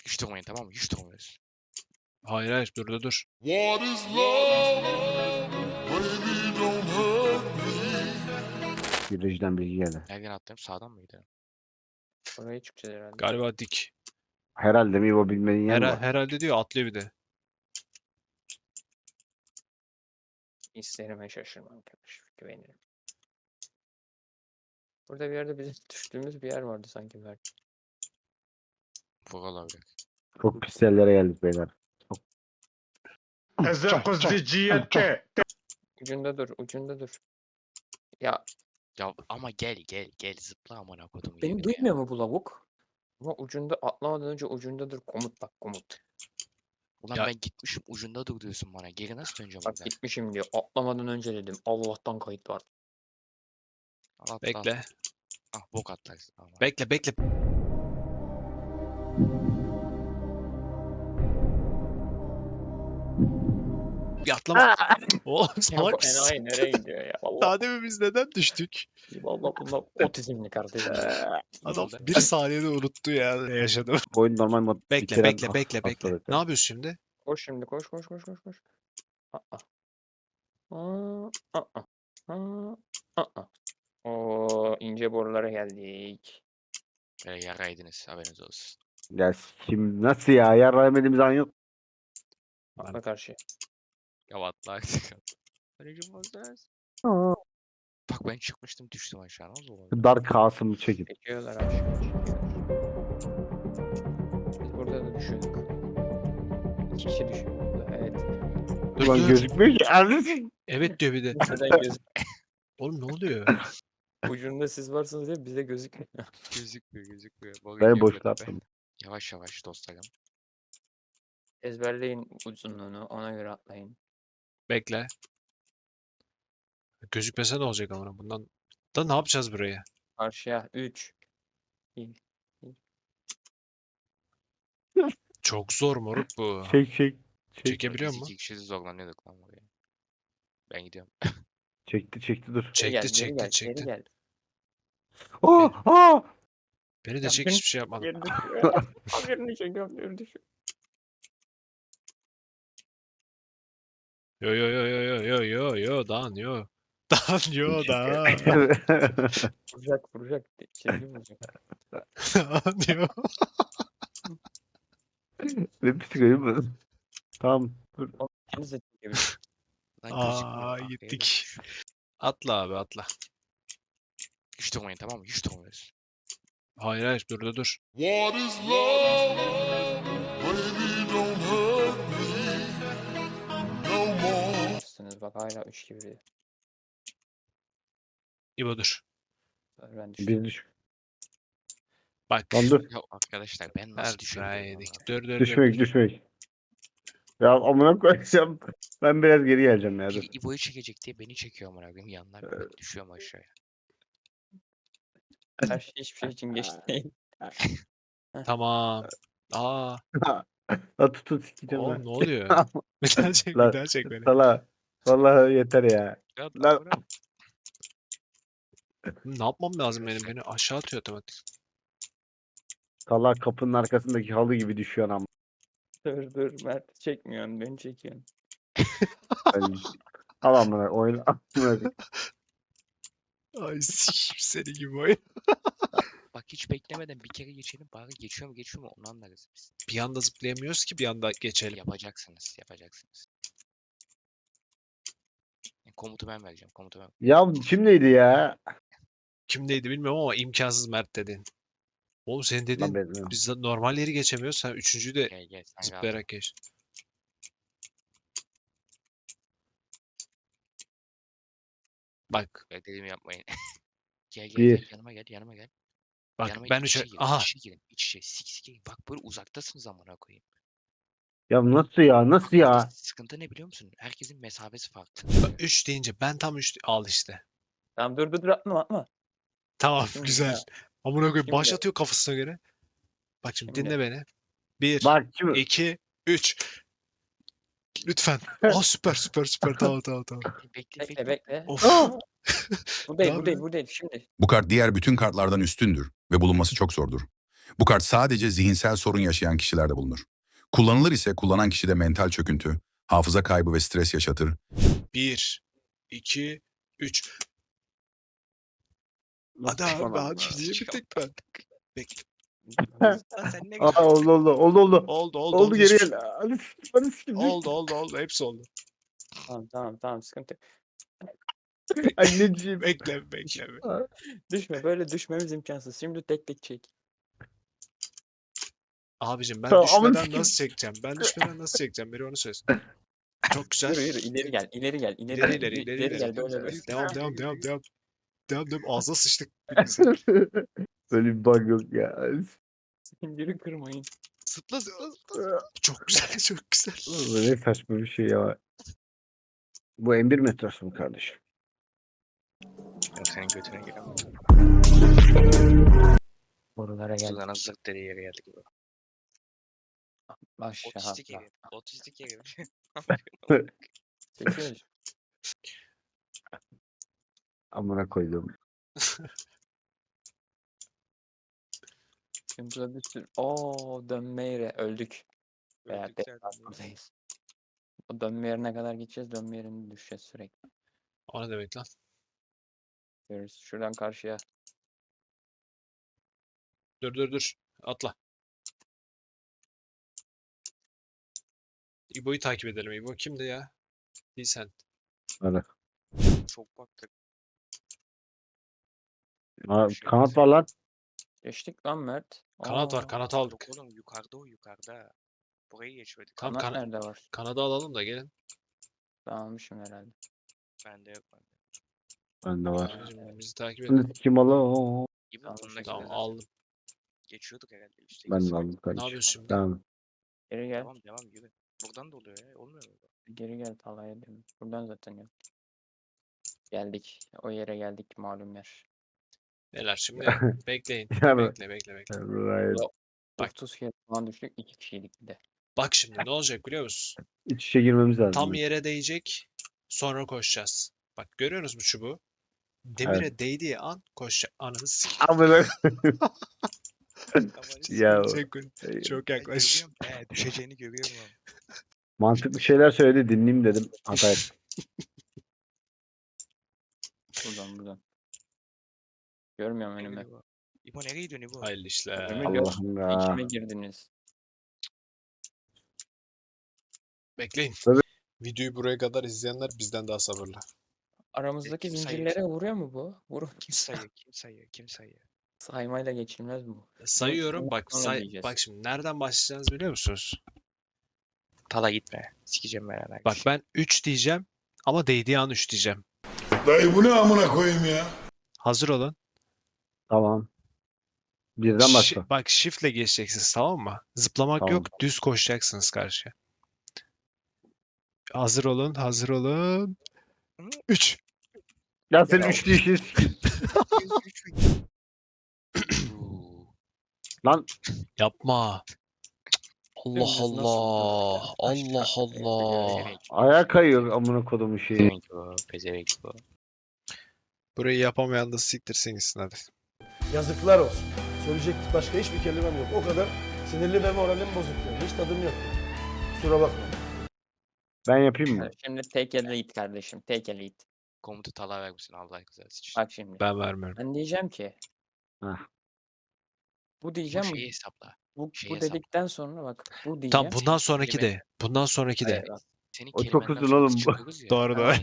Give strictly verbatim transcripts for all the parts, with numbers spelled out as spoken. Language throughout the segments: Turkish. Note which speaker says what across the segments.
Speaker 1: Hiç durmayın, tamam mı? Hiç durmuyoruz.
Speaker 2: Hayır hayır dur dur dur.
Speaker 3: What is love? Baby, don't hurt me.
Speaker 4: Virajdan bilgi geldi.
Speaker 1: Nereden atlayayım? Sağdan mı gidelim?
Speaker 5: Oraya çıkacağız herhalde.
Speaker 2: Galiba dik.
Speaker 4: Herhalde mi o bilmenin yanı
Speaker 2: Her,
Speaker 4: var.
Speaker 2: herhalde diyor atlıyor bir de.
Speaker 5: İsterime şaşırmam kardeşim. Güvenirim. Burada bir yerde bizim düştüğümüz bir yer vardı sanki belki.
Speaker 1: Vuralım.
Speaker 4: Çok pis yerlere geldik beyler.
Speaker 6: Ezekoziciyete.
Speaker 5: Ucunda dur, ucunda dur. Ya
Speaker 1: Ya ama gel gel gel zıpla amına kodum.
Speaker 5: beni duymuyor mu bu lavuk? Ama ucunda atlamadan önce ucunda dur, komut bak komut.
Speaker 1: Ulan
Speaker 2: Ya-
Speaker 1: ben gitmişim ucunda dur diyorsun bana. Geri nasıl döneceğim
Speaker 5: Bak
Speaker 1: buradan?
Speaker 5: gitmişim diyor. Atlamadan önce dedim. Allah'tan kayıt var.
Speaker 1: Al, atla,
Speaker 2: Bekle.
Speaker 1: atla. Ah bok atlarsın. Ama.
Speaker 2: Bekle bekle. Bir atlama. Oğlum
Speaker 5: Ya
Speaker 2: salak
Speaker 5: bu
Speaker 2: mısın?
Speaker 5: enayi nereye gidiyor ya? Vallahi,
Speaker 2: Daha demin biz neden düştük?
Speaker 5: vallahi bunlar otizmli kardeşim.
Speaker 2: Adam
Speaker 1: oldu?
Speaker 2: bir saniyede unuttu ya ne yaşadı.
Speaker 4: Oyun normal mod.
Speaker 2: Bekle
Speaker 4: bitiren
Speaker 2: bekle
Speaker 4: has-
Speaker 2: bekle bekle.
Speaker 4: hastalık.
Speaker 2: Ne yapıyorsun şimdi?
Speaker 5: Koş şimdi koş koş koş koş koş. Aa. Aa. Aa. Aa. Aa. Oo, ince borulara geldik.
Speaker 1: Böyle yaraydınız haberiniz olsun.
Speaker 4: Ya kim nasıl ya? Yarramadığımız an yok.
Speaker 5: Atla karşı.
Speaker 1: Ya atla artık. Anneciğim bozarız. Bak ben çıkmıştım düştüm aşağı. Nasıl oldu?
Speaker 4: Dar Kasım'ı çekin.
Speaker 5: Çekiyorlar aşağı çekiyorlar. Biz burada da düşüyorduk. İki kişi düşüyor burada. Evet.
Speaker 2: Dur
Speaker 4: Ulan
Speaker 2: dur.
Speaker 4: gözükmüyor ki. Anlasın.
Speaker 2: Evet diyor bir de.
Speaker 5: Neden göz
Speaker 2: Oğlum ne oluyor?
Speaker 5: ucunda siz varsınız diye bize gözükmüyor.
Speaker 1: Gözükmüyor gözükmüyor. Bak,
Speaker 4: Ben
Speaker 1: geliyor
Speaker 4: boşta
Speaker 1: böyle.
Speaker 4: attım.
Speaker 1: Yavaş yavaş dostlarım.
Speaker 5: Ezberleyin uzunluğunu ona göre atlayın.
Speaker 2: Bekle. Gözükmese ne olacak ama bundan da ne yapacağız buraya?
Speaker 5: Karşıya üç.
Speaker 2: Çok zor moruk bu.
Speaker 4: Çek çek. Çek.
Speaker 2: Çekebiliyor
Speaker 1: Biz
Speaker 2: mu?
Speaker 1: iki kişi zorlanıyorduk lan buraya. Ben gidiyorum.
Speaker 4: Çekti çekti dur.
Speaker 5: Geri gel,
Speaker 2: Çekti
Speaker 5: geri
Speaker 2: çekti
Speaker 5: gel,
Speaker 2: çekti.
Speaker 5: Geri gel.
Speaker 4: Aa, aa!
Speaker 2: Beni de
Speaker 5: Ya
Speaker 2: çek
Speaker 5: beni-
Speaker 2: hiçbir şey yapmadım.
Speaker 5: Geri düşüyor. Haberini çekiyorum geri düşüyor.
Speaker 2: Yo yo yo yo yo yo yo yo Dan yo. Dan yo Dan.
Speaker 5: Vuracak vuracak. Çizgi vuracak.
Speaker 2: Dan yo.
Speaker 4: Ne psikolojim bu? Tamam. Dur.
Speaker 5: İkiniz de çekebilirsiniz.
Speaker 1: Lan
Speaker 2: Aa,
Speaker 1: gözükmüyor. Arkaya
Speaker 2: gittik.
Speaker 1: dönmüş.
Speaker 2: Atla abi atla.
Speaker 1: Hiç durmayın, tamam mı? Hiç durmuyoruz.
Speaker 2: Hayır hayır dur dur dur.
Speaker 3: What is love? Baby, don't hurt me no more.
Speaker 5: Yapmışsınız bak hala üç gibi.
Speaker 2: İbo dur.
Speaker 5: Ben düştüm.
Speaker 4: Bir düş.
Speaker 2: Bak.
Speaker 4: Lan dur.
Speaker 1: Ya arkadaşlar ben nasıl
Speaker 2: Her
Speaker 1: düşüyorum?
Speaker 2: yedik. Dur dur dur.
Speaker 4: Düşmek düşmek. Ya amına koyacağım. Ben biraz geri geleceğim ya dur.
Speaker 1: Biri İbo'yu çekecek diye beni çekiyor amına koyayım yanlar böyle düşüyorum aşağıya.
Speaker 5: Her şey hiçbir şey için geç değil.
Speaker 2: Tamam. Aa.
Speaker 4: La tut tut sikeceğim
Speaker 2: Oğlum
Speaker 4: lan.
Speaker 2: ne oluyor? Bir daha çek bir
Speaker 4: Lan,
Speaker 2: daha çek beni.
Speaker 4: Sala. Vallahi yeter ya.
Speaker 1: Ya,
Speaker 4: Lan-
Speaker 1: bırak.
Speaker 2: Ne yapmam lazım benim? Beni aşağı atıyor otomatik.
Speaker 4: Sala kapının arkasındaki halı gibi düşüyor ama.
Speaker 5: Dur dur Mert çekmiyorsun beni çekiyorsun.
Speaker 4: Al amına oyun. Amına.
Speaker 2: Ay sikeyim seni gibi oyun.
Speaker 1: Bak hiç beklemeden bir kere geçelim bari geçiyor mu geçiyor mu onu anlarız biz.
Speaker 2: Bir anda zıplayamıyoruz ki bir anda geçelim.
Speaker 1: Yapacaksınız yapacaksınız. E, Komutu ben vereceğim komutu ben.
Speaker 4: Ya kimdeydi ya?
Speaker 2: Kimdeydi bilmiyorum ama imkansız Mert dedin. Oğlum senin
Speaker 4: Lan
Speaker 2: dediğin
Speaker 4: ben-
Speaker 2: biz de normal yeri geçemiyoruz. Sen üçüncüyü de
Speaker 1: Gel gel sen rahat ol.
Speaker 2: zıplayarak geç. Bak
Speaker 1: Dediğimi yapmayın. Gel gel
Speaker 4: Bir.
Speaker 1: gel yanıma gel yanıma gel.
Speaker 2: bak
Speaker 1: yanıma
Speaker 2: ben
Speaker 1: gel,
Speaker 2: üçe...
Speaker 1: içe girin,
Speaker 2: Aha
Speaker 1: içe girin iç içe sik sik girin. Bak böyle uzaktasınız amına koyayım.
Speaker 4: Ya nasıl ya? Nasıl
Speaker 1: Burada
Speaker 4: ya?
Speaker 1: sıkıntı ne biliyor musun? Herkesin mesafesi farklı.
Speaker 2: üç deyince ben tam üç al işte.
Speaker 5: Tamam dur dur dur atma atma.
Speaker 2: Tamam
Speaker 5: Şimdi
Speaker 2: güzel.
Speaker 5: ya.
Speaker 2: Amına koyayım
Speaker 5: Şimdi-
Speaker 2: başlatıyor kafasına göre. Bak şimdi,
Speaker 5: Şimdi.
Speaker 2: dinle beni. Bir,
Speaker 4: Bak kim?
Speaker 2: iki, üç. Lütfen. Aa süper süper süper tamam tamam tamam.
Speaker 1: Bekle
Speaker 5: Bekle
Speaker 1: bekle.
Speaker 5: bekle.
Speaker 2: Of.
Speaker 5: Bu değil
Speaker 2: Ne
Speaker 5: bu değil bu değil şimdi.
Speaker 6: Bu kart diğer bütün kartlardan üstündür ve bulunması çok zordur.
Speaker 7: Bu kart sadece zihinsel sorun yaşayan kişilerde bulunur. Kullanılır ise kullanan kişide mental çöküntü, hafıza kaybı ve stres yaşatır.
Speaker 2: Bir, iki, üç. Hadi abi
Speaker 4: Tamam.
Speaker 2: hadi diyebildik ben. Bekle.
Speaker 1: Lan sen ne
Speaker 4: Aa, oldu oldu oldu oldu.
Speaker 2: Oldu oldu
Speaker 4: Oldu
Speaker 2: hiçbir
Speaker 4: geri
Speaker 2: şey-
Speaker 4: gel. Hadi s- hadi s-
Speaker 2: Oldu oldu oldu hepsi oldu.
Speaker 5: Tamam tamam tamam sıkıntı yok.
Speaker 4: Anneciğim.
Speaker 2: Bekle bekle. bekle.
Speaker 5: Düşme böyle düşmemiz imkansız. Şimdi tek tek çek.
Speaker 2: Abicim ben
Speaker 4: Tamam, amına
Speaker 2: düşmeden
Speaker 4: sikeyim.
Speaker 2: nasıl çekeceğim? Ben düşmeden nasıl çekeceğim? Biri onu söylesin. Çok güzel.
Speaker 5: Yürü yürü ileri gel ileri gel ileri,
Speaker 2: İleri
Speaker 5: gel,
Speaker 2: ileri ileri ileri.
Speaker 5: gel böyle böyle.
Speaker 2: Devam devam devam devam. Devam devam ağzına sıçtık.
Speaker 4: Böyle bir bug yok ya.
Speaker 5: Zinciri kırmayın.
Speaker 2: Zıpla zıpla zıpla. Çok güzel çok güzel.
Speaker 4: Bu ne saçma bir şey ya. Bu M bir metrosu mu kardeşim?
Speaker 1: Yok senin götüne giremem.
Speaker 5: Borulara gel.
Speaker 1: Suzan'a zırt dediği yere geldik.
Speaker 5: Aşağı
Speaker 1: Otistik
Speaker 5: atla.
Speaker 1: evi. Otistik evi.
Speaker 5: Çekiyoruz.
Speaker 4: Amına koydum.
Speaker 5: Şimdi burada bir sürü... Ooo dönme yeri öldük. Veya
Speaker 1: Öldük
Speaker 5: tekrar
Speaker 1: zaten.
Speaker 5: buradayız. O dönme yerine kadar gideceğiz. Dönme yerine düşeceğiz sürekli.
Speaker 2: O ne demek lan?
Speaker 5: Görürüz. Şuradan karşıya.
Speaker 2: Dur dur dur. Atla. İbo'yu takip edelim. İbo kimdi ya? Değil sen.
Speaker 4: Hadi.
Speaker 1: Çok baktık.
Speaker 4: Aa,
Speaker 1: Şey
Speaker 4: kanat
Speaker 1: mesela-
Speaker 4: var lan.
Speaker 5: Geçtik lan Mert.
Speaker 2: Kanat var.
Speaker 5: Aa,
Speaker 2: Kanat
Speaker 1: Yok
Speaker 2: aldık.
Speaker 1: oğlum yukarıda o yukarıda. Burayı geçmedik.
Speaker 2: Tam
Speaker 5: Kanat
Speaker 2: kana-
Speaker 5: nerede var?
Speaker 2: Kanada alalım da gelin.
Speaker 5: Ben almışım herhalde.
Speaker 1: Bende yok bende.
Speaker 4: Bende var.
Speaker 2: Abicim, bizi takip edin.
Speaker 4: Şimdi kim alır?
Speaker 1: İbo
Speaker 5: Tamam,
Speaker 1: bundaki
Speaker 2: Tamam
Speaker 1: zaten
Speaker 2: aldım.
Speaker 1: geçiyorduk herhalde. Üstteki
Speaker 4: Ben de
Speaker 1: sıra.
Speaker 4: aldım
Speaker 2: Ne
Speaker 4: kardeşim.
Speaker 2: yapıyorsun şimdi?
Speaker 4: Tamam.
Speaker 5: Geri gel.
Speaker 1: Tamam devam yürü. Buradan da oluyor ya. Olmuyor mu?
Speaker 5: Geri gel Talaya dedim. Buradan zaten yok. Geldik. O yere geldik malum yer.
Speaker 2: Beyler şimdi bekleyin.
Speaker 4: Ya
Speaker 2: Bekle bekle bekle.
Speaker 4: Right.
Speaker 2: Bak.
Speaker 5: otuz kere falan düştük. iki kişiydik bir de.
Speaker 2: Bak şimdi ne olacak biliyor musun?
Speaker 4: İç içe girmemiz lazım.
Speaker 2: Tam yere değecek. Sonra koşacağız. Bak görüyorsunuz mu çubuğu? Demire değdiği an koşacak. Ananı s***.
Speaker 4: Amına
Speaker 2: Ya.
Speaker 4: ya.
Speaker 2: Çok, çok yaklaş.
Speaker 1: He düşeceğini görüyorum abi.
Speaker 4: Mantıklı şeyler söyledi dinleyeyim dedim. Hata ettim.
Speaker 5: Buradan buradan. Görmüyorum önümü.
Speaker 1: İbo. İbo nereye gidiyorsun İbo?
Speaker 2: Hayırlı işler.
Speaker 5: Önümü gör.
Speaker 4: Allah'ım ya.
Speaker 5: İçime girdiniz.
Speaker 2: Bekleyin.
Speaker 4: Tabii.
Speaker 2: Videoyu buraya kadar izleyenler bizden daha sabırlı.
Speaker 5: Aramızdaki
Speaker 1: kim sayıyor?
Speaker 5: zincirlere vuruyor mu bu? Vurur.
Speaker 1: Kim sayıyor? Kim sayıyor? Kim sayıyor?
Speaker 5: Saymayla geçilmez bu.
Speaker 2: Sayıyorum.
Speaker 5: sonra
Speaker 2: Bak say
Speaker 5: diyeceğiz.
Speaker 2: bak şimdi nereden başlayacağız biliyor musunuz?
Speaker 1: Tala gitme. Sikeceğim ben herhalde.
Speaker 2: Bak ben üç diyeceğim ama değdiği an üç diyeceğim.
Speaker 3: Dayı bu ne amına koyayım ya?
Speaker 2: Hazır olun.
Speaker 4: Tamam. Birden
Speaker 2: Şi-
Speaker 4: başla.
Speaker 2: bak shiftle geçeceksiniz tamam mı? Zıplamak
Speaker 4: Tamam.
Speaker 2: yok. Düz koşacaksınız karşıya. Hazır olun. Hazır olun. üç.
Speaker 4: Ya sen üç değişir. Lan
Speaker 2: Yapma. Allah
Speaker 5: Dümdüz nasıl
Speaker 2: Allah.
Speaker 5: durduk?
Speaker 2: Allah
Speaker 5: Aşağı-
Speaker 2: Allah.
Speaker 1: Pezevenk.
Speaker 4: ayağa kayıyor amına kodumun şeyi.
Speaker 1: Pezevenk bu. Pezevenk bu.
Speaker 2: Burayı yapamayan da siktirsin gitsin hadi.
Speaker 8: Yazıklar olsun. Söyleyecek başka hiçbir kelimem yok. O kadar sinirli ve moralim bozuk yani. Hiç tadım yok. Kusura bakma.
Speaker 4: Ben yapayım mı?
Speaker 5: Evet, Şimdi take a lead kardeşim. Take a lead.
Speaker 1: Komutu Tala vermişsin Allah rızası için.
Speaker 5: Bak şimdi.
Speaker 2: Ben vermiyorum.
Speaker 5: Ben diyeceğim ki.
Speaker 4: Hah.
Speaker 5: Bu
Speaker 1: Bu
Speaker 5: diyeceğim.
Speaker 1: şeyi hesapla.
Speaker 5: Bu,
Speaker 1: şeyi
Speaker 5: bu
Speaker 1: hesapla.
Speaker 5: dedikten sonra bak. Bu diyeceğim.
Speaker 2: Tamam bundan
Speaker 1: senin
Speaker 2: sonraki
Speaker 1: kelime-
Speaker 2: de. Bundan sonraki de.
Speaker 5: Hayır, bak,
Speaker 1: Senin
Speaker 4: O çok
Speaker 1: kelimenden
Speaker 4: uzun
Speaker 1: sonra
Speaker 4: oğlum
Speaker 1: biz
Speaker 4: bu.
Speaker 1: çıkıyoruz ya.
Speaker 2: Doğru doğru.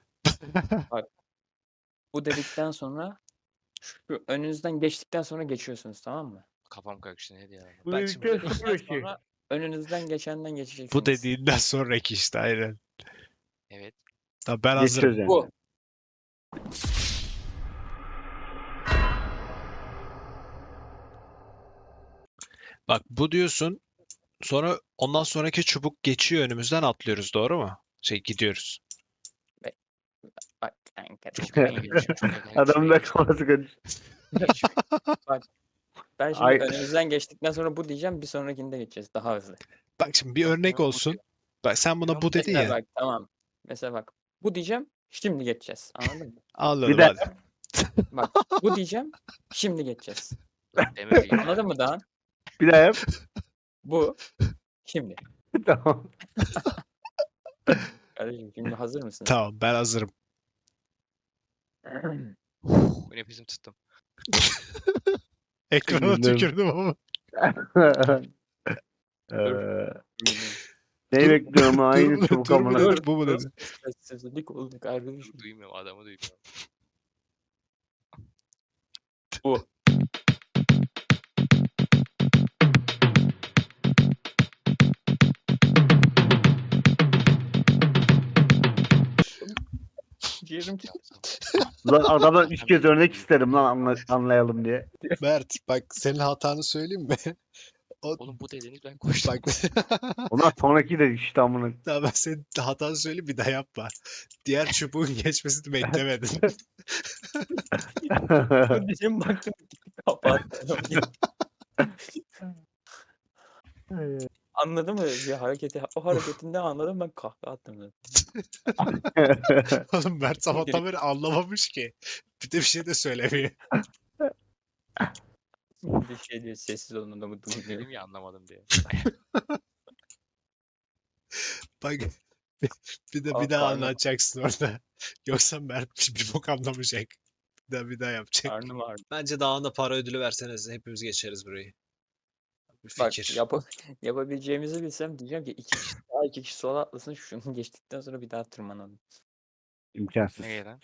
Speaker 5: Bu dedikten sonra şu önünüzden geçtikten sonra geçiyorsunuz tamam mı?
Speaker 1: Kafam karıştı ne diyor?
Speaker 4: Bu
Speaker 2: Bak
Speaker 4: dedikten
Speaker 2: şimdi-
Speaker 4: sonra
Speaker 5: Dedikten
Speaker 4: ki.
Speaker 5: sonra önünüzden geçenden geçeceksiniz.
Speaker 2: Bu dediğinden sonraki işte aynen.
Speaker 1: Evet.
Speaker 2: Tamam ben hazırım.
Speaker 4: Geçiyoruz yani.
Speaker 5: Bu.
Speaker 2: Bak bu diyorsun. Sonra ondan sonraki çubuk geçiyor önümüzden atlıyoruz doğru mu? Şey gidiyoruz.
Speaker 5: Bak kanka. düşmeyin.
Speaker 4: Adamın da kafası karıştı.
Speaker 5: Ben şimdi
Speaker 4: Ay.
Speaker 5: önünüzden geçtikten sonra bu diyeceğim. Bir sonrakinde geçeceğiz. Daha hızlı.
Speaker 2: Bak şimdi bir örnek
Speaker 1: bu
Speaker 2: olsun.
Speaker 1: diyor.
Speaker 2: Bak sen buna
Speaker 1: Tamam,
Speaker 2: bu dedin
Speaker 5: Mesela
Speaker 2: ya.
Speaker 5: bak tamam. Mesela bak. Bu diyeceğim. Şimdi geçeceğiz. Anladın mı?
Speaker 2: Anladım
Speaker 4: Bir de-
Speaker 2: hadi.
Speaker 5: Bak bu diyeceğim. Şimdi geçeceğiz.
Speaker 1: Demir
Speaker 5: Anladın mı daha?
Speaker 4: Bir daha yap.
Speaker 5: Bu. Şimdi.
Speaker 4: Tamam.
Speaker 5: Kardeşim şimdi hazır mısınız?
Speaker 2: Tamam ben hazırım.
Speaker 1: Uf, nefesim tuttum.
Speaker 2: Ekrana
Speaker 4: Güldüm.
Speaker 2: tükürdüm ama.
Speaker 4: Eee, neyi bekliyorum
Speaker 2: Dur
Speaker 4: aynı
Speaker 2: mu,
Speaker 4: çubuk
Speaker 2: dur mu
Speaker 4: amına.
Speaker 2: dedi, bu mu dedi?
Speaker 5: Sessizlik oldu kardeşim.
Speaker 1: Duymuyorum, adamı duymuyorum.
Speaker 5: Bu. Ciğerim çıktı.
Speaker 4: Lan adamdan üç kez örnek isterim lan anla- anlayalım diye.
Speaker 2: Mert bak senin hatanı söyleyeyim mi? O,
Speaker 1: Oğlum bu dediniz ben koştum.
Speaker 2: bak
Speaker 4: Ondan sonraki de işte amına.
Speaker 2: daha ben senin hatanı söyleyeyim bir daha yapma. Diğer çubuğun geçmesini beklemedin.
Speaker 5: Kardeşim baktım kapattım. Anladın mı bir hareketi? O hareketinde anladım ben kahkaha attım zaten.
Speaker 2: Oğlum Mert sabahtan beri anlamamış ki. Bir de bir şey de söylemiyor.
Speaker 5: Bir şey diyor sessiz olun adamı duymuyor.
Speaker 1: Dedim ya anlamadım diye.
Speaker 2: Bak bir, bir de
Speaker 5: Ah,
Speaker 2: bir daha
Speaker 5: karnım.
Speaker 2: anlatacaksın orada. Yoksa Mert bir, bir bok anlamayacak. Bir daha bir daha yapacak.
Speaker 5: Karnım ağrıdı.
Speaker 2: Bence daha da para ödülü verseniz hepimiz geçeriz burayı. Bir
Speaker 5: Bak
Speaker 2: fikir.
Speaker 5: yap yapabileceğimizi bilsem diyeceğim ki iki kişi sağa iki kişi sola atlasın şunu geçtikten sonra bir daha tırmanalım.
Speaker 4: İmkansız.
Speaker 1: Nereye lan?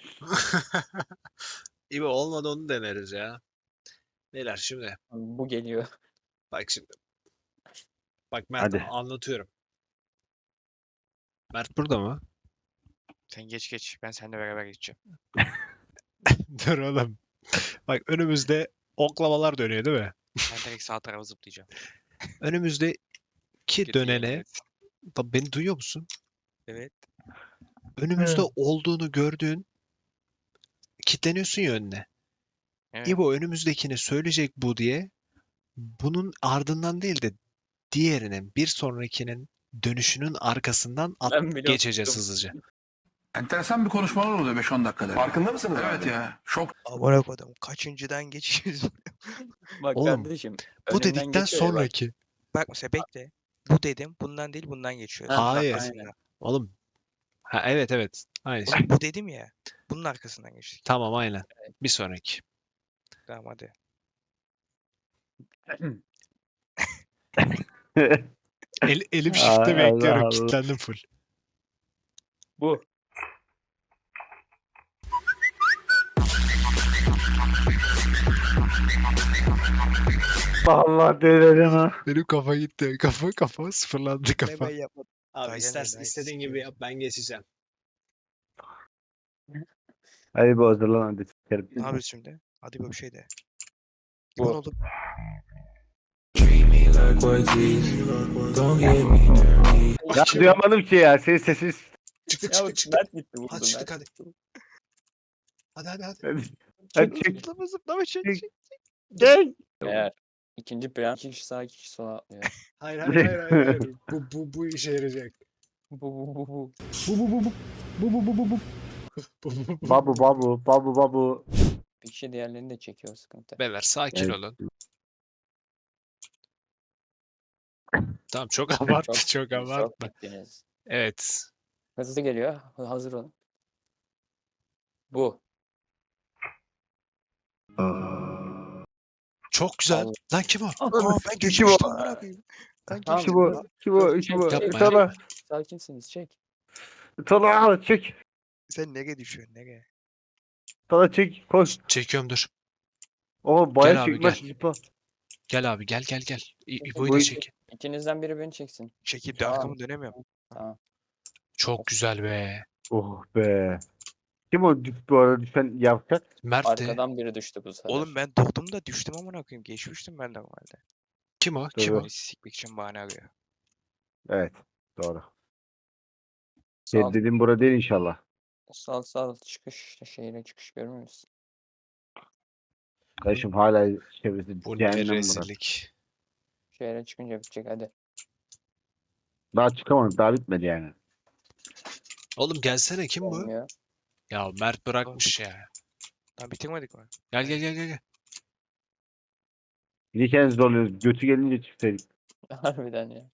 Speaker 2: İyi olmadı onu deneriz ya. Beyler şimdi
Speaker 5: Bu geliyor.
Speaker 2: bak şimdi. Bak Mert
Speaker 4: Hadi.
Speaker 2: anlatıyorum. Mert burada mı?
Speaker 1: Sen geç geç. Ben seninle beraber geçeceğim.
Speaker 2: Dur oğlum. Bak önümüzde oklavalar dönüyor değil mi?
Speaker 1: Ben direkt sağ tarafa zıplayacağım.
Speaker 2: Önümüzdeki
Speaker 1: Kötü
Speaker 2: dönene
Speaker 1: yemin et.
Speaker 2: bak beni duyuyor musun?
Speaker 1: Evet.
Speaker 2: Önümüzde
Speaker 4: Evet.
Speaker 2: olduğunu gördüğün kilitleniyorsun ya önüne.
Speaker 1: Evet.
Speaker 2: İbo önümüzdekini söyleyecek bu diye bunun ardından değil de diğerinin bir sonrakinin dönüşünün arkasından at
Speaker 5: Ben bile
Speaker 2: geçeceğiz
Speaker 5: unuttum.
Speaker 2: hızlıca.
Speaker 3: Enteresan bir konuşmalar oluyor beş on dakikada.
Speaker 6: Farkında mısınız
Speaker 3: Evet
Speaker 6: abi?
Speaker 3: ya. Şok.
Speaker 1: Amına koydum. Kaçıncıdan geçiyoruz?
Speaker 5: Bak
Speaker 2: Oğlum,
Speaker 5: kardeşim.
Speaker 2: Bu
Speaker 5: önünden
Speaker 2: dedikten
Speaker 5: geçiyor ya bak.
Speaker 2: sonraki.
Speaker 1: Bak mesela bekle. Bu dedim. Bundan değil bundan geçiyoruz.
Speaker 5: Ha,
Speaker 1: Bunun
Speaker 2: Hayır.
Speaker 1: arkasından.
Speaker 2: Oğlum. Ha evet evet. Aynı şey.
Speaker 1: Oğlum bu dedim ya. Bunun arkasından geçtik.
Speaker 2: Tamam aynen. Bir sonraki.
Speaker 1: Tamam hadi.
Speaker 2: El, elim
Speaker 4: Ay,
Speaker 2: shift'te bekliyorum.
Speaker 4: Allah Allah.
Speaker 2: Kilitlendim full.
Speaker 5: Bu.
Speaker 4: Allah delireceğim ha.
Speaker 2: Benim kafa gitti. Kafa kafa sıfırlandı kafa.
Speaker 1: yapmadım.
Speaker 2: Abi
Speaker 1: Daha
Speaker 2: istersen
Speaker 1: gelmedi,
Speaker 2: istediğin
Speaker 1: daha
Speaker 2: gibi yap ben geçeceğim.
Speaker 4: Hadi bu hazırlan hadi sikerim.
Speaker 1: Ne yapıyoruz şimdi? Hadi böyle bir şey de.
Speaker 5: Bu.
Speaker 1: Limon oğlum.
Speaker 4: Ya duyamadım ki ya senin sesin.
Speaker 2: Çıktı
Speaker 5: Ya
Speaker 2: çıktı çıktı.
Speaker 5: Mert gitti vurdu.
Speaker 2: Hadi çıktık
Speaker 5: Mert.
Speaker 2: hadi. Hadi hadi hadi.
Speaker 4: Hadi, hadi çek.
Speaker 1: Zıplama zıplama çek
Speaker 4: Çek.
Speaker 1: çek.
Speaker 4: Çek.
Speaker 5: Eğer ikinci plan iki kişi sağa iki kişi sola atlıyor.
Speaker 2: Hayır hayır hayır hayır. hayır. Bu, bu, bu işe yarayacak.
Speaker 5: Bu bu bu bu.
Speaker 2: Bu bu bu bu. Bu bu bu bu bu. Bu, bu, bu.
Speaker 4: Babu babu babu babu.
Speaker 5: Bir kişi diğerlerini de çekiyor sıkıntı.
Speaker 2: Beyler sakin
Speaker 4: Evet.
Speaker 2: olun. Tamam çok abarttı çok,
Speaker 5: Çok
Speaker 2: abartma.
Speaker 5: gittiniz.
Speaker 2: Evet.
Speaker 5: Hızlı geliyor. Hazır olun. Bu.
Speaker 2: Çok güzel.
Speaker 5: Allah.
Speaker 2: Lan kim o?
Speaker 1: Aa ben
Speaker 4: Kim
Speaker 1: geçmiştim
Speaker 4: o?
Speaker 1: amına koyayım. Ben
Speaker 5: Tamam.
Speaker 4: Kim
Speaker 1: geçtim.
Speaker 4: bu? Kim bu? Kim bu?
Speaker 2: Yapma ya.
Speaker 4: Tala.
Speaker 5: Sakinsiniz çek.
Speaker 4: Tala çek.
Speaker 1: Sen nereye düşüyorsun nereye?
Speaker 4: Tala çek. Koş.
Speaker 2: Çekiyorum dur.
Speaker 4: O bayağı
Speaker 2: Gel abi,
Speaker 4: çekmez.
Speaker 2: gel.
Speaker 4: Zıpla.
Speaker 2: Gel abi gel gel gel. İ- İbo'yu
Speaker 4: Bu
Speaker 2: da
Speaker 4: iş-
Speaker 2: çek.
Speaker 5: İkinizden biri beni çeksin.
Speaker 1: Çekip de
Speaker 5: Tamam.
Speaker 1: arkamı dönemiyorum.
Speaker 5: Tamam.
Speaker 2: Çok güzel be.
Speaker 4: Oh be. Kim o düş- bu arada düşen yavşak?
Speaker 2: Mert de.
Speaker 5: Arkadan biri düştü bu sefer.
Speaker 1: Oğlum ben doğdum da düştüm amına koyayım. Geçmiştim ben normalde.
Speaker 2: Kim o? Kim o?
Speaker 4: Doğru.
Speaker 1: Beni sikmek için bahane arıyor.
Speaker 4: Evet. Doğru.
Speaker 5: Sağ,
Speaker 4: Şey, dediğim burada değil inşallah.
Speaker 5: sağ, sağ çıkış şehire çıkış görmüyor musun?
Speaker 4: Kardeşim hala çevresi
Speaker 2: Bu ne
Speaker 4: cehennem burası.
Speaker 2: rezillik.
Speaker 5: Şehre çıkınca bitecek hadi.
Speaker 4: Daha çıkamadık. Daha bitmedi yani.
Speaker 2: Oğlum gelsene kim bu?
Speaker 5: Olmuyor.
Speaker 2: Ya Mert bırakmış ya.
Speaker 1: Lan bitirmedik mi?
Speaker 2: Gel gel gel gel. gel.
Speaker 4: Bir de kendimiz zorluyoruz. Götü gelince çıksaydık.
Speaker 5: Harbiden ya.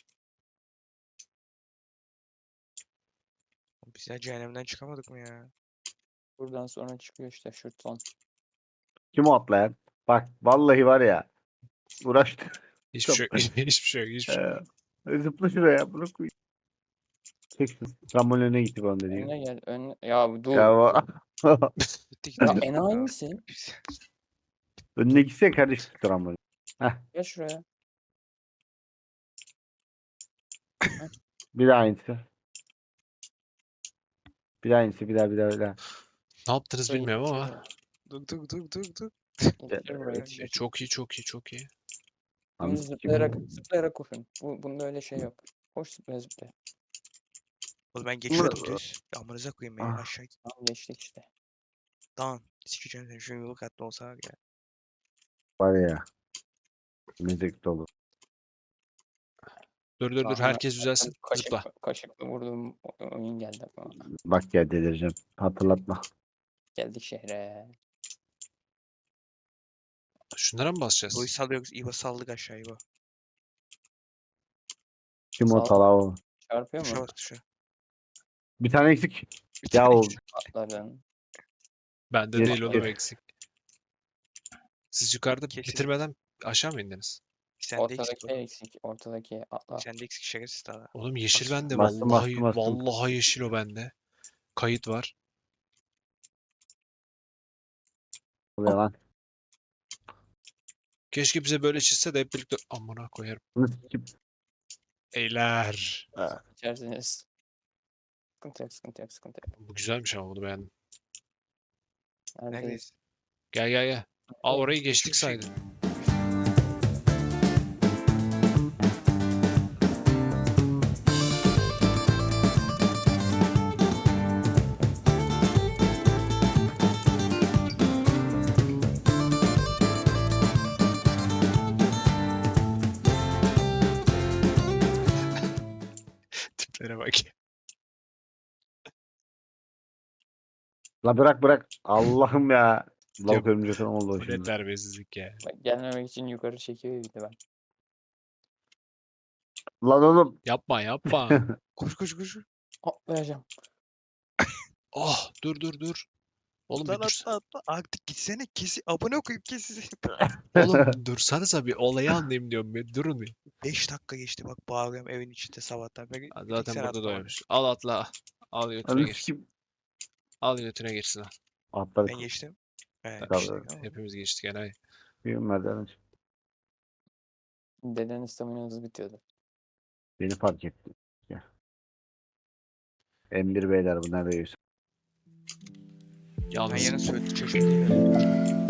Speaker 1: Biz ya cehennemden çıkamadık mı ya?
Speaker 5: Buradan sonra çıkıyor işte şu son.
Speaker 4: Kim o atlayan? Bak vallahi var ya. Uğraştı.
Speaker 2: Hiçbir şey yok. Hiçbir şey yok. Hiçbir şey yok.
Speaker 4: Ee, zıpla şuraya. Bunu koy. Çek şunu. Trambolin önüne gitti bana dedi.
Speaker 5: Önüne gel. Önüne... Ya dur.
Speaker 4: Ya,
Speaker 5: Ya,
Speaker 4: va-
Speaker 1: Gitti gitti.
Speaker 5: enayi misin?
Speaker 4: önüne gitsene kardeşim trambolin.
Speaker 5: Gel şuraya.
Speaker 4: Bir daha aynısı. Bir daha aynısı. Bir daha bir daha bir daha.
Speaker 2: Ne yaptınız
Speaker 5: Şöyle
Speaker 2: bilmiyorum ama.
Speaker 5: yetişir
Speaker 1: Dur dur dur dur dur.
Speaker 5: Yetişir buraya
Speaker 2: E,
Speaker 5: yetişir.
Speaker 2: çok iyi çok iyi çok iyi.
Speaker 4: Abi,
Speaker 5: Dümdüz zıplayarak, zıplayarak koşun. Bu, bunda öyle şey yok. Koş zıplaya zıplaya.
Speaker 1: Oğlum ben geçiyordum düz. Amınıza koyayım beni
Speaker 4: Ah.
Speaker 1: aşağı git.
Speaker 5: Tamam geçtik işte.
Speaker 1: Dağın. Sikeceğim seni şu yolu katlı olsa var ya.
Speaker 4: var ya. Müzik dolu.
Speaker 2: Dur dur dur
Speaker 5: Ahmet,
Speaker 2: herkes düzelsin.
Speaker 5: Kaşık,
Speaker 2: Zıpla.
Speaker 5: kaşıkla vurduğum o- oyun geldi aklıma.
Speaker 4: Bak ya delireceğim. Hatırlatma.
Speaker 5: Geldik şehre.
Speaker 2: Şunlara mı basacağız?
Speaker 1: Boyu salıyoruz. İbo saldık aşağı İbo.
Speaker 4: Kim o
Speaker 5: Sağ-
Speaker 4: talağı?
Speaker 5: Çarpıyor
Speaker 1: Tuşa
Speaker 5: mu?
Speaker 1: bak tuşa.
Speaker 4: Bir tane eksik.
Speaker 1: Bir
Speaker 4: Ya
Speaker 1: tane
Speaker 4: o
Speaker 1: eksik.
Speaker 5: Atladın.
Speaker 2: Bende
Speaker 4: Yes,
Speaker 2: değil oğlum
Speaker 4: yes.
Speaker 2: eksik. Siz yukarıda
Speaker 1: Kesin.
Speaker 2: bitirmeden aşağı mı indiniz?
Speaker 1: Sende eksik.
Speaker 5: Ortadaki eksik. Ortadaki atla.
Speaker 1: Sende eksik şerefsiz daha.
Speaker 2: Oğlum yeşil
Speaker 1: Bastım.
Speaker 2: bende.
Speaker 4: Bastım,
Speaker 2: Vallahi
Speaker 4: bastım, bastım.
Speaker 2: vallahi yeşil o bende. Kayıt var.
Speaker 4: oluyor lan.
Speaker 2: Keşke bize böyle çizse de hep birlikte amına koyarım.
Speaker 4: Bunu sikip.
Speaker 2: Eyler.
Speaker 5: İçersiniz. Sıkıntı yok, sıkıntı yok, sıkıntı yok.
Speaker 2: Bu güzelmiş ama bunu beğendim.
Speaker 5: Neredeyiz?
Speaker 1: Neredeyiz?
Speaker 2: Gel gel gel. Aa orayı geçtik
Speaker 1: Şu- şu-
Speaker 2: saydı. Tiplere bak.
Speaker 4: La bırak bırak. Allah'ım ya. Lavuk
Speaker 2: Yok.
Speaker 4: örümcek adam oldu o
Speaker 2: Bu ne
Speaker 4: şimdi.
Speaker 2: terbiyesizlik ya.
Speaker 5: Bak, gelmemek için yukarı çekiyor bir de ben.
Speaker 4: Lan oğlum.
Speaker 2: Yapma yapma.
Speaker 1: Koş koş koş.
Speaker 5: Atlayacağım.
Speaker 2: Oh dur dur dur. Oğlum bir
Speaker 1: Lan
Speaker 2: dur.
Speaker 1: atla atla. Artık gitsene kesi. Abone koyup kesi.
Speaker 2: Oğlum dursanıza bir olayı anlayayım diyorum. Bir durun bir.
Speaker 1: beş dakika geçti bak bağırıyorum evin içinde sabahtan beri.
Speaker 2: Ha,
Speaker 1: Bir tek
Speaker 2: zaten
Speaker 1: sen
Speaker 2: burada
Speaker 1: atlamadın.
Speaker 2: doymuş. Al atla. Al götüne
Speaker 4: Anı
Speaker 2: girsin.
Speaker 4: sikip.
Speaker 2: Al götüne girsin. al.
Speaker 4: Atladık.
Speaker 1: Ben geçtim. He,
Speaker 4: Tabii.
Speaker 1: işte, tamam.
Speaker 2: Hepimiz geçtik enayi.
Speaker 4: Bir merdiven çık.
Speaker 5: Dedenin staminası bitiyordu.
Speaker 4: Beni fark etti. Ya. M bir beyler bu nerede yiyorsun?
Speaker 1: Ben
Speaker 2: Yalnız
Speaker 1: yarın Söğütlü Çeşme'deyim.